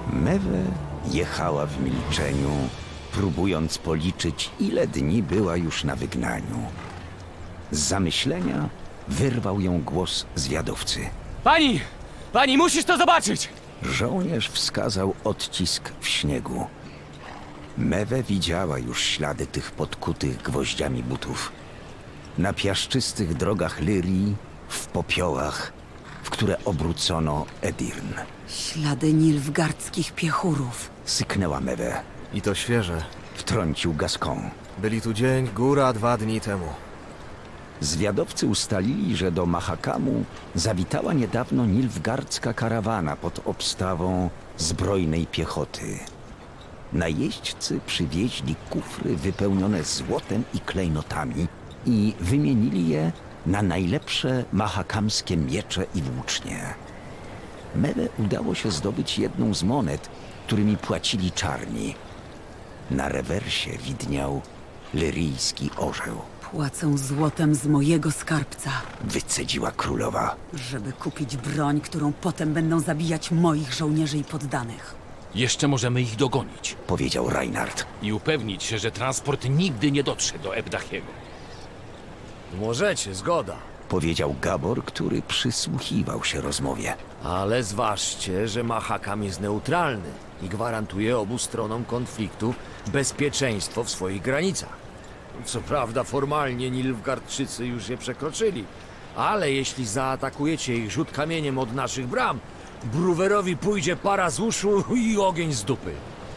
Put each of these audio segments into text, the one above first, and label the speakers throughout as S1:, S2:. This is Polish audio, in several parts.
S1: Mewe jechała w milczeniu, próbując policzyć, ile dni była już na wygnaniu. Z zamyślenia wyrwał ją głos zwiadowcy.
S2: Pani! Pani, musisz to zobaczyć!
S1: Żołnierz wskazał odcisk w śniegu. Mewe widziała już ślady tych podkutych gwoździami butów. Na piaszczystych drogach Lyrii, w popiołach, w które obrócono Edirn.
S3: Ślady nilfgaardzkich piechurów.
S1: Syknęła Mewe.
S4: I to świeże.
S1: Wtrącił Gascon.
S4: Byli tu dzień, góra 2 dni temu.
S1: Zwiadowcy ustalili, że do Mahakamu zawitała niedawno nilfgaardzka karawana pod obstawą zbrojnej piechoty. Najeźdźcy przywieźli kufry wypełnione złotem i klejnotami i wymienili je na najlepsze mahakamskie miecze i włócznie. Mewe udało się zdobyć jedną z monet, którymi płacili czarni. Na rewersie widniał lyryjski orzeł.
S3: Płacą złotem z mojego skarbca,
S1: Wycedziła królowa.
S3: żeby kupić broń, którą potem będą zabijać moich żołnierzy i poddanych.
S2: Jeszcze możemy ich dogonić
S1: Powiedział Reinhard.
S2: i upewnić się, że transport nigdy nie dotrze do Ebdachiego.
S4: Możecie, zgoda.
S1: Powiedział Gabor, który przysłuchiwał się rozmowie.
S4: Ale zważcie, że Mahakam jest neutralny i gwarantuje obu stronom konfliktu bezpieczeństwo w swoich granicach. Co prawda formalnie Nilfgaardczycy już je przekroczyli, ale jeśli zaatakujecie ich rzut kamieniem od naszych bram, Bruwerowi pójdzie para z uszu i ogień z dupy.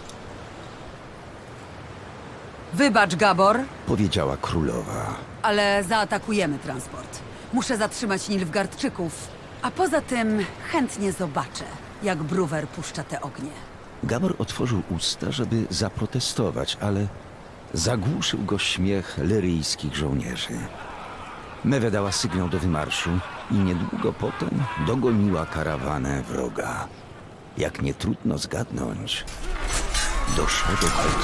S3: Wybacz, Gabor,
S1: Powiedziała królowa.
S3: ale zaatakujemy transport. Muszę zatrzymać nilfgaardczyków, a poza tym chętnie zobaczę, jak Bruwer puszcza te ognie.
S1: Gabor otworzył usta, żeby zaprotestować, ale zagłuszył go śmiech lyryjskich żołnierzy. Mewe dała sygnał do wymarszu i niedługo potem dogoniła karawanę wroga. Jak nie trudno zgadnąć, doszło do walki.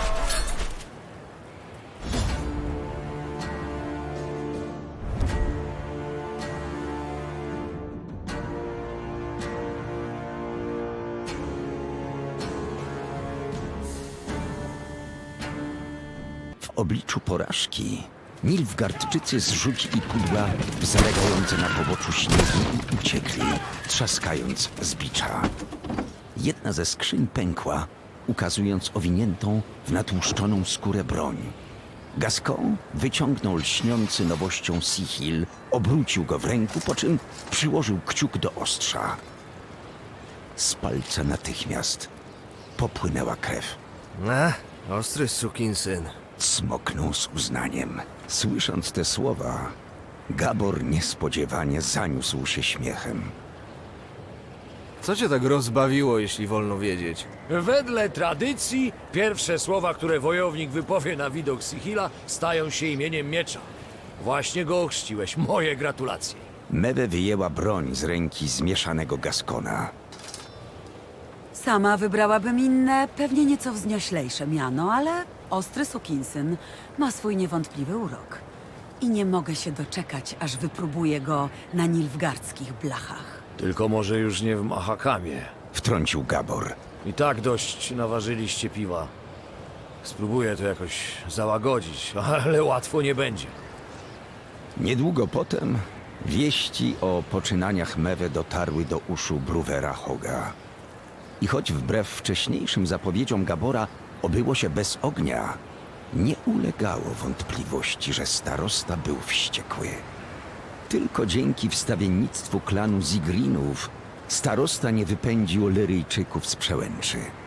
S1: W obliczu porażki Nilfgaardczycy zrzucili pudła w zalegające na poboczu śniegu i uciekli, trzaskając z bicza. Jedna ze skrzyń pękła, ukazując owiniętą w natłuszczoną skórę broń. Gascon wyciągnął lśniący nowością Sihil, obrócił go w ręku, po czym przyłożył kciuk do ostrza. Z palca natychmiast popłynęła krew.
S4: Ostry sukinsyn.
S1: Smoknął z uznaniem. Słysząc te słowa, Gabor niespodziewanie zaniósł się śmiechem.
S4: Co cię tak rozbawiło, jeśli wolno wiedzieć?
S5: Wedle tradycji, pierwsze słowa, które wojownik wypowie na widok Sihila, stają się imieniem miecza. Właśnie go ochrzciłeś. Moje gratulacje.
S1: Mewe wyjęła broń z ręki zmieszanego Gascona.
S3: Sama wybrałabym inne, pewnie nieco wznioślejsze miano, ale ostry sukinsyn ma swój niewątpliwy urok. I nie mogę się doczekać, aż wypróbuję go na nilfgaardzkich blachach.
S5: Tylko może już nie w Mahakamie.
S1: Wtrącił Gabor.
S5: I tak dość naważyliście piwa. Spróbuję to jakoś załagodzić, ale łatwo nie będzie.
S1: Niedługo potem wieści o poczynaniach Mewe dotarły do uszu Bruwera Hoga. I choć wbrew wcześniejszym zapowiedziom Gabora obyło się bez ognia, nie ulegało wątpliwości, że starosta był wściekły. Tylko dzięki wstawiennictwu klanu Zigrinów starosta nie wypędził Lyryjczyków z przełęczy.